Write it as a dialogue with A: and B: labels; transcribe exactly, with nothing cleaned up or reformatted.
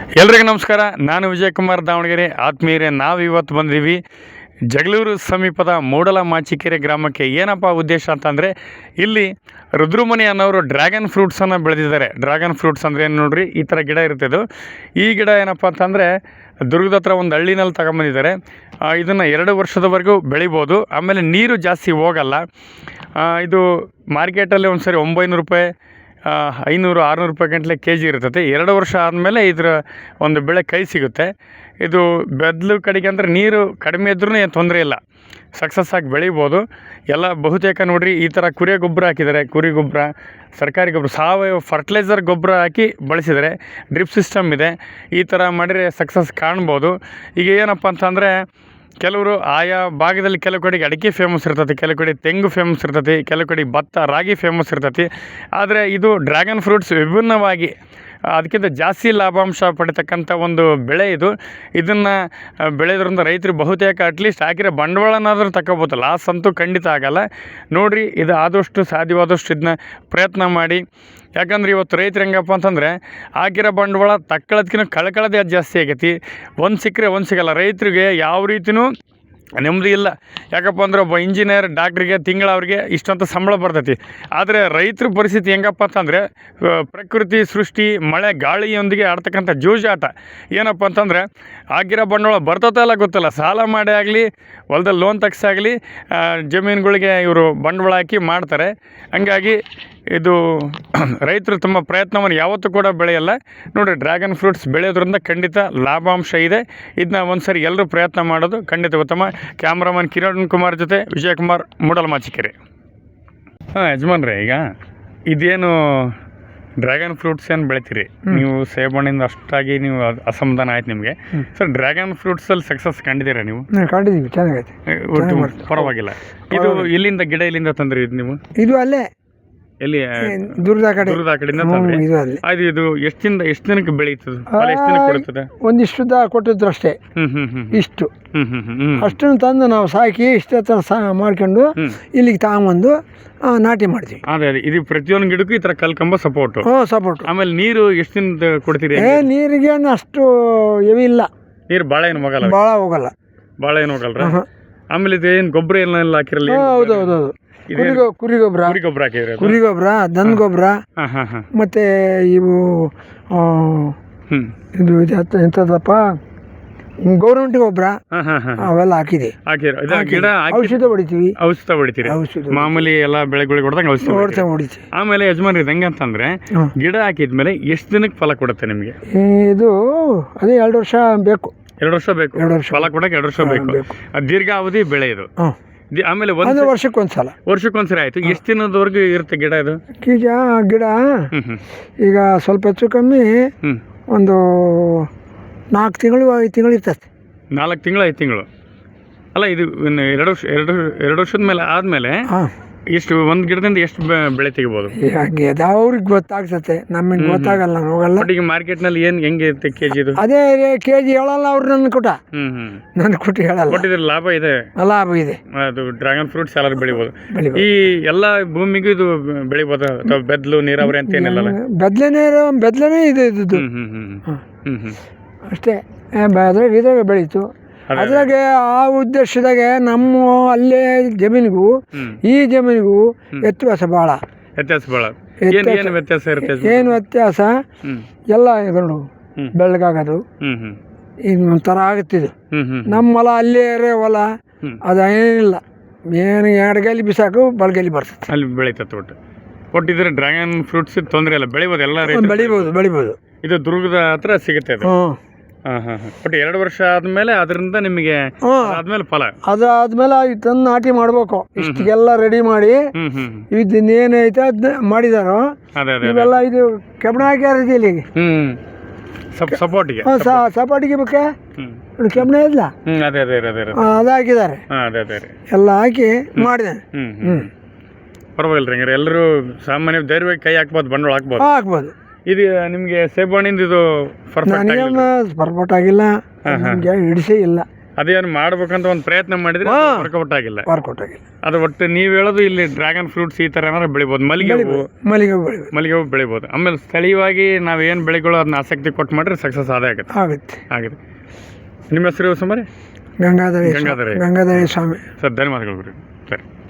A: ಎಲ್ರಿಗೂ ನಮಸ್ಕಾರ. ನಾನು ವಿಜಯಕುಮಾರ್ ದಾವಣಗೆರೆ. ಆತ್ಮೀಯರೇ, ನಾವು ಇವತ್ತು ಬಂದಿದ್ದೀವಿ ಜಗಳೂರು ಸಮೀಪದ ಮೂಡಲಮಾಚಿಕೆರೆ ಗ್ರಾಮಕ್ಕೆ. ಏನಪ್ಪ ಉದ್ದೇಶ ಅಂತಂದರೆ, ಇಲ್ಲಿ ರುದ್ರಮುನಿ ಅನ್ನೋರು ಡ್ರ್ಯಾಗನ್ ಫ್ರೂಟ್ಸನ್ನು ಬೆಳೆದಿದ್ದಾರೆ. ಡ್ರ್ಯಾಗನ್ ಫ್ರೂಟ್ಸ್ ಅಂದರೆ ಏನು ನೋಡ್ರಿ, ಈ ಥರ ಗಿಡ ಇರ್ತದೆ. ಈ ಗಿಡ ಏನಪ್ಪ ಅಂತಂದರೆ ದುರ್ಗದ ಹತ್ರ ಒಂದು ಹಳ್ಳಿನಲ್ಲಿ ತಗೊಂಬಂದಿದ್ದಾರೆ. ಇದನ್ನು ಎರಡು ವರ್ಷದವರೆಗೂ ಬೆಳಿಬೋದು. ಆಮೇಲೆ ನೀರು ಜಾಸ್ತಿ ಹೋಗಲ್ಲ. ಇದು ಮಾರ್ಕೆಟಲ್ಲಿ ಒಂದು ಸರಿ ಒಂಬೈನೂರು ರೂಪಾಯಿ ಐನೂರು ಆರುನೂರು ರೂಪಾಯಿ ಗಂಟಲೆ ಕೆ ಜಿ ಇರ್ತದೆ. ಎರಡು ವರ್ಷ ಆದಮೇಲೆ ಇದರ ಒಂದು ಬೆಳೆ ಕೈ ಸಿಗುತ್ತೆ. ಇದು ಬೆದ್ಲು ಕಡೆಗೆ ಅಂದರೆ ನೀರು ಕಡಿಮೆ ಇದ್ರೂ ಏನು ತೊಂದರೆ ಇಲ್ಲ, ಸಕ್ಸಸ್ ಆಗಿ ಬೆಳಿಬೋದು. ಎಲ್ಲ ಬಹುತೇಕ ನೋಡಿರಿ ಈ ಥರ ಕುರಿ ಗೊಬ್ಬರ ಹಾಕಿದ್ದಾರೆ. ಕುರಿ ಗೊಬ್ಬರ, ಸರ್ಕಾರಿ ಗೊಬ್ಬರ, ಸಾವಯವ ಫರ್ಟಿಲೈಸರ್ ಗೊಬ್ಬರ ಹಾಕಿ ಬಳಸಿದರೆ, ಡ್ರಿಪ್ ಸಿಸ್ಟಮ್ ಇದೆ. ಈ ಥರ ಮಾಡಿದರೆ ಸಕ್ಸಸ್ ಕಾಣ್ಬೋದು. ಈಗ ಏನಪ್ಪ ಅಂತಂದರೆ, ಕೆಲವರು ಆಯಾ ಭಾಗದಲ್ಲಿ ಕೆಲವು ಕಡೆಗೆ ಅಡಿಕೆ ಫೇಮಸ್ ಇರ್ತೈತಿ, ಕೆಲವು ಕಡೆ ತೆಂಗು ಫೇಮಸ್ ಇರ್ತೈತಿ, ಕೆಲವು ಕಡೆ ಭತ್ತ ರಾಗಿ ಫೇಮಸ್ ಇರ್ತೈತಿ. ಆದರೆ ಇದು ಡ್ರ್ಯಾಗನ್ ಫ್ರೂಟ್ಸ್ ವಿಭಿನ್ನವಾಗಿ ಅದಕ್ಕಿಂತ ಜಾಸ್ತಿ ಲಾಭಾಂಶ ಪಡಿತಕ್ಕಂಥ ಒಂದು ಬೆಳೆ ಇದು. ಇದನ್ನು ಬೆಳೆಯೋದ್ರಿಂದ ರೈತರು ಬಹುತೇಕ ಅಟ್ಲೀಸ್ಟ್ ಹಾಕಿರೋ ಬಂಡವಾಳನಾದರೂ ತಗೋಬೋದು. ಲಾಸ್ ಅಂತೂ ಖಂಡಿತ ಆಗೋಲ್ಲ. ನೋಡಿರಿ, ಇದು ಆದಷ್ಟು ಸಾಧ್ಯವಾದಷ್ಟು ಇದನ್ನ ಪ್ರಯತ್ನ ಮಾಡಿ. ಯಾಕಂದ್ರೆ ಇವತ್ತು ರೈತರು ಹೆಂಗಪ್ಪ ಅಂತಂದರೆ, ಹಾಕಿರೋ ಬಂಡವಾಳ ತಕ್ಕಳದ್ಕಿಂತ ಕಳ್ಕೊಳ್ಳೋದೇ ಜಾಸ್ತಿ ಆಗೈತಿ. ಒಂದು ಸಿಕ್ಕರೆ ಒಂದು ಸಿಗೋಲ್ಲ. ರೈತರಿಗೆ ಯಾವ ರೀತಿಯೂ ನೆಮ್ಮದಿ ಇಲ್ಲ. ಯಾಕಪ್ಪ ಅಂದ್ರೆ ಒಬ್ಬ ಇಂಜಿನಿಯರ್, ಡಾಕ್ಟ್ರಿಗೆ ತಿಂಗಳ ಅವ್ರಿಗೆ ಇಷ್ಟಂತ ಸಂಬಳ ಬರ್ತೈತಿ. ಆದರೆ ರೈತರ ಪರಿಸ್ಥಿತಿ ಹೆಂಗಪ್ಪ ಅಂತಂದರೆ, ಪ್ರಕೃತಿ ಸೃಷ್ಟಿ ಮಳೆ ಗಾಳಿಯೊಂದಿಗೆ ಆಡ್ತಕ್ಕಂಥ ಜೂಜಾಟ. ಏನಪ್ಪ ಅಂತಂದರೆ, ಆಗಿರೋ ಬಂಡವಾಳ ಬರ್ತೈತೆ ಇಲ್ಲ ಗೊತ್ತಿಲ್ಲ. ಸಾಲ ಮಾಡಿ ಆಗಲಿ, ಹೊಲದಲ್ಲಿ ಲೋನ್ ತೆಗ್ಸಾಗಲಿ, ಜಮೀನುಗಳಿಗೆ ಇವರು ಬಂಡವಾಳ ಹಾಕಿ ಮಾಡ್ತಾರೆ. ಹಂಗಾಗಿ ಇದು ರೈತರು ತಮ್ಮ ಪ್ರಯತ್ನವನ್ನು ಯಾವತ್ತೂ ಕೂಡ ಬೆಳೆಯಲ್ಲ. ನೋಡಿರಿ, ಡ್ರ್ಯಾಗನ್ ಫ್ರೂಟ್ಸ್ ಬೆಳೆಯೋದ್ರಿಂದ ಖಂಡಿತ ಲಾಭಾಂಶ ಇದೆ. ಇದನ್ನ ಒಂದು ಸರಿ ಎಲ್ಲರೂ ಪ್ರಯತ್ನ ಮಾಡೋದು ಖಂಡಿತ ಉತ್ತಮ. ಕ್ಯಾಮ್ರಾಮನ್ ಕಿರಣ್ ಕುಮಾರ್ ಜೊತೆ ವಿಜಯಕುಮಾರ್, ಮೂಡಲಮಾಚಿಕೆರೆ. ಹಾಂ ಯಜಮಾನ್ರೆ, ಈಗ ಇದೇನು ಡ್ರ್ಯಾಗನ್ ಫ್ರೂಟ್ಸ್ ಏನು ಬೆಳಿತೀರಿ ನೀವು? ಸೇಬಣ್ಣಿಂದ ಅಷ್ಟಾಗಿ ನೀವು ಅಸಮಾಧಾನ ಆಯ್ತು ನಿಮಗೆ. ಸರ್, ಡ್ರ್ಯಾಗನ್ ಫ್ರೂಟ್ಸಲ್ಲಿ ಸಕ್ಸಸ್ ಕಂಡಿದ್ದೀರಾ ನೀವು?
B: ಕಂಡಿದ್ದೀವಿ, ಚೆನ್ನಾಗೈತೆ,
A: ಒಟ್ಟು ಪರವಾಗಿಲ್ಲ. ಇದು ಇಲ್ಲಿಂದ ಗಿಡ ಇಲ್ಲಿಂದ ತಂದ್ರಿ ಇದು ನೀವು?
B: ಇದು ಅಲ್ಲೇ
A: ಎಲ್ಲಿ?
B: ದುರ್ಗದ ಕಡೆ,
A: ದುರ್ಗದ ಕಡೆಯಿಂದ ತಂದ್ರಿ.
B: ಇದು ಅಲ್ಲೇ.
A: ಅದು ಇದು ಎಷ್ಟು ದಿನ ಎಷ್ಟು ದಿನಕ್ಕೆ ಬೆಳೀತದೆ? ಎಷ್ಟು ದಿನಕ್ಕೆ ಕೊಡುತ್ತದೆ?
B: ಒಂದಿಷ್ಟು ಕೊಟ್ಟಿದ್ರು ಅಷ್ಟೇ.
A: ಹ್ಮ್ ಹ್ಮ್ ಹ್ಮ್
B: ಇಷ್ಟು
A: ಹ್ಮ್ ಹ್ಮ್ ಹ್ಮ್
B: ಅಷ್ಟನ್ನು ತಂದು ನಾವು ಸಾಕಿ ಇಷ್ಟ ಥರ ಸಾ ಮಾಡ್ಕೊಂಡು ಇಲ್ಲಿಗೆ ತಗೊಂಬಂದು ನಾಟಿ ಮಾಡ್ತೀವಿ.
A: ಅದೇ ಅದೇ ಇದು ಪ್ರತಿಯೊಂದು ಗಿಡಕ್ಕೂ ಈ ಥರ ಕಲ್ಕಂಬ ಸಪೋರ್ಟ್.
B: ಹ್ಞೂ, ಸಪೋರ್ಟ್.
A: ಆಮೇಲೆ ನೀರು ಎಷ್ಟು ದಿನದ ಕೊಡ್ತೀರಿ?
B: ಏ ನೀರಿಗೆ ಅಷ್ಟು ಎವಿ ಇಲ್ಲ.
A: ನೀರು ಭಾಳ ಏನು ಹೋಗಲ್ಲ?
B: ಭಾಳ ಹೋಗಲ್ಲ,
A: ಭಾಳ ಏನು ಹೋಗಲ್ರ? ಆಮೇಲೆ ಇದು ಏನು ಗೊಬ್ಬರ ಏನೆಲ್ಲ ಹಾಕಿರಲ್ಲ?
B: ಹೌದು ಹೌದು ಹೌದು. ಕುರಿ ಕುರಿ ಗೊಬ್ಬರ,
A: ಕುರಿ ಗೊಬ್ಬರ ಹಾಕಿದ್ರೆ,
B: ಕುರಿ ಗೊಬ್ಬರ, ದನ ಗೊಬ್ಬರ, ಮತ್ತೆ ಇವು ಇದು ಎಂಥದಪ್ಪ ಗೌರ್ಮೆಂಟ್ ಗೊಬ್ಬರ ಅವೆಲ್ಲ ಹಾಕಿದೆ.
A: ಗಿಡ
B: ಔಷಧ ಹೊಡಿತೀವಿ.
A: ಔಷಧ ಹೊಡಿತೀರಿ? ಮಾಮೂಲಿ ಎಲ್ಲ ಬೆಳೆಗಳಿಗೆ ಹೊಡೆದಂಗೆ ಔಷಧ ಹೊಡಿತೀವಿ. ಆಮೇಲೆ ಯಜಮಾನ್ರಿ ಹೆಂಗೆ ಅಂತಂದ್ರೆ, ಗಿಡ ಹಾಕಿದ್ಮೇಲೆ ಎಷ್ಟು ದಿನಕ್ಕೆ ಫಲ ಕೊಡುತ್ತೆ ನಿಮಗೆ?
B: ಇದು ಅದೇ ಎರಡು ವರ್ಷ ಬೇಕು.
A: ಎರಡು ವರ್ಷ ಬೇಕು ಫಲ ಕೊಡಕ್ಕೆ? ಎರಡು ವರ್ಷ ಬೇಕು. ದೀರ್ಘಾವಧಿ ಬೆಳೆ ಇದು. ಆಮೇಲೆ ಒಂದು
B: ವರ್ಷಕ್ಕೊಂದ್ಸಲ
A: ವರ್ಷಕ್ಕೊಂದ್ಸರಿ ಆಯ್ತು. ಎಷ್ಟು ದಿನದವರೆಗೂ ಇರುತ್ತೆ ಗಿಡ ಇದು?
B: ಈಗ ಗಿಡ ಈಗ ಸ್ವಲ್ಪ ಹೆಚ್ಚು ಕಮ್ಮಿ ಒಂದು ನಾಲ್ಕು ತಿಂಗಳು ಐದು ತಿಂಗಳು ಇರ್ತದೆ.
A: ನಾಲ್ಕು ತಿಂಗಳು ಐದು ತಿಂಗಳು ಅಲ್ಲ, ಇದು ಎರಡು ವರ್ಷ ಎರಡು ಎರಡು ವರ್ಷದ ಮೇಲೆ ಆದಮೇಲೆ ಎಷ್ಟು ಒಂದು ಗಿಡದಿಂದ ಎಷ್ಟು ಬೆಳೆ ತೆಗಿಬೋದು?
B: ಹಾಗೆ ಅದು ಅವ್ರಿಗೆ ಗೊತ್ತಾಗ್ತತೆ, ನಮಗೆ ಗೊತ್ತಾಗಲ್ಲ, ಹೋಗಲ್ಲ.
A: ಈಗ ಮಾರ್ಕೆಟ್ನಲ್ಲಿ ಏನು ಹೆಂಗೆ ಇರುತ್ತೆ ಕೆ ಜಿ ಇದು?
B: ಅದೇ ಕೆ ಜಿ ಹೇಳಲ್ಲ ಅವ್ರು, ನನ್ನ ಕೊಟ್ಟ
A: ಹ್ಮ್ ಹ್ಮ್
B: ನನ್ನ ಕೊಟ್ಟು ಹೇಳಲ್ಲ.
A: ಬಟ್ ಇದ್ರ ಲಾಭ ಇದೆ,
B: ಲಾಭ ಇದೆ.
A: ಅದು ಡ್ರ್ಯಾಗನ್ ಫ್ರೂಟ್ಸ್ ಎಲ್ಲರೂ ಬೆಳಿಬೋದು. ಈ ಎಲ್ಲ ಭೂಮಿಗೂ ಇದು ಬೆಳಿಬೋದು ಅಥವಾ ಬೆದ್ಲು ನೀರಾವರಿ ಅಂತ ಏನಿಲ್ಲ?
B: ಬೆದ್ಲೆ ನೀರು, ಬೆದ್ಲನೇ ಇದೆ ಇದು.
A: ಹ್ಮ್ ಹ್ಮ್ ಹ್ಮ್ ಹ್ಮ್
B: ಅಷ್ಟೇ. ಅದ್ರಾಗ ಇದ್ರಾಗ ಬೆಳೀತು. ಅದ್ರಾಗೆ ಆ ಉದ್ದೇಶದಾಗೆ ನಮ್ಮ ಅಲ್ಲೇ ಜಮೀನಿಗೂ ಈ ಜಮೀನಿಗೂ ವ್ಯತ್ಯಾಸ ಭಾಳ.
A: ವ್ಯತ್ಯಾಸ ಭಾಳ ಏನು ವ್ಯತ್ಯಾಸ ಇರುತ್ತೆ?
B: ಏನು ವ್ಯತ್ಯಾಸ? ಎಲ್ಲ ಇದ್ಕೊಂಡು ಬೆಳಗಾಗೋದು ಇನ್ನು ಒಂಥರ ಆಗುತ್ತಿದ್ದು. ನಮ್ಮ ಹೊಲ ಅಲ್ಲೇ ಹೊಲ ಅದೇನಿಲ್ಲ, ಏನು ಎಡಗೈಲಿ ಬಿಸಾಕು ಬಲಗೈಲಿ ಬರ್ತದೆ,
A: ಅಲ್ಲಿ ಬೆಳೀತದೆ. ಒಟ್ಟು ಒಟ್ಟಿದ್ರೆ ಡ್ರ್ಯಾಗನ್ ಫ್ರೂಟ್ಸ್ ತೊಂದರೆ ಇಲ್ಲ, ಬೆಳಿಬೋದು, ಎಲ್ಲ
B: ಬೆಳಿಬೋದು ಬೆಳಿಬೋದು.
A: ಇದು ದುರ್ಗದ ಹತ್ರ ಸಿಗುತ್ತೆ ಅದು. ಹಾಂ ಹಾಂ ಹಾಂ ಬಟ್ ಎರಡು ವರ್ಷ ಆದಮೇಲೆ ಅದರಿಂದ ನಿಮಗೆ ಆದ್ಮೇಲೆ ಫಲ?
B: ಅದಾದ್ಮೇಲೆ ತಂದು ನಾಟಿ ಮಾಡ್ಬೇಕು. ಇಷ್ಟಿಗೆಲ್ಲ ರೆಡಿ ಮಾಡಿ ಇದನ್ನೇನೈತೆ ಅದನ್ನ ಮಾಡಿದಾರೋ ಇವೆಲ್ಲ. ಇದು ಕೆಬ್ಬಣ ಹಾಕ್ಯಾರ ಇಲ್ಲಿಗೆ
A: ಸಪೋರ್ಟಿಗೆ,
B: ಸಪೋರ್ಟಿಗೆ ಬೇಕಾ ಕೆಬ್ಬಣ ಇಲ್ಲ,
A: ಅದೇ ಅದೇ ಅದೇ
B: ಅದು ಹಾಕಿದ್ದಾರೆ.
A: ಅದೇ ಅದೇ
B: ಎಲ್ಲ ಹಾಕಿ ಮಾಡಿದೆ.
A: ಹ್ಞೂ ಪರವಾಗಿಲ್ಲ ರೀ. ಹಂಗಾರೆ ಎಲ್ಲರೂ ಸಾಮಾನ್ಯ ಧೈರ್ಯವಾಗಿ ಕೈ ಹಾಕ್ಬೋದು, ಬಂಡವಾಳ ಹಾಕ್ಬೋದು
B: ಹಾಕ್ಬೋದು.
A: ಇದು ನಿಮಗೆ ಸೇಬಣ್ಣಿಂದ ಇದು
B: ಪರ್ಫೆಕ್ಟ್ ಆಗಿಲ್ಲ, ನಮಗೆ ಹಿಡಿಸೇ ಇಲ್ಲ.
A: ಅದೇನು ಮಾಡ್ಬೇಕಂತ ಒಂದು ಪ್ರಯತ್ನ ಮಾಡಿದ್ರೆ ವರ್ಕೌಟ್ ಆಗಿಲ್ಲ.
B: ವರ್ಕೌಟ್ ಆಗಿಲ್ಲ.
A: ಅದು ಒಟ್ಟು ನೀವು ಹೇಳೋದು ಇಲ್ಲಿ ಡ್ರ್ಯಾಗನ್ ಫ್ರೂಟ್ಸ್ ಈ ಥರ ಏನಾದ್ರು ಬೆಳಿಬೋದು. ಮಲ್ಲಿಗೆ ಹೂವು
B: ಮಲ್ಲಿಗೆ ಹೂವು ಬೆಳಿಬೋದು.
A: ಮಲ್ಲಿಗೆ ಹೂವು ಬೆಳಿಬೋದು. ಆಮೇಲೆ ಸ್ಥಳೀಯವಾಗಿ ನಾವು ಏನು ಬೆಳೆಗಳು ಅದನ್ನ ಆಸಕ್ತಿ ಕೊಟ್ಟು ಮಾಡಿದ್ರೆ ಸಕ್ಸಸ್ ಆದೇ ಆಗುತ್ತೆ
B: ಆಗುತ್ತೆ
A: ಆಗಿದೆ. ನಿಮ್ಮ ಹೆಸರು ಸುಮಾರು
B: ಗಂಗಾಧರ
A: ಗಂಗಾಧರ
B: ಗಂಗಾಧರ ಸ್ವಾಮಿ
A: ಸರ್. ಧನ್ಯವಾದಗಳು ಗುರು ಸರ್.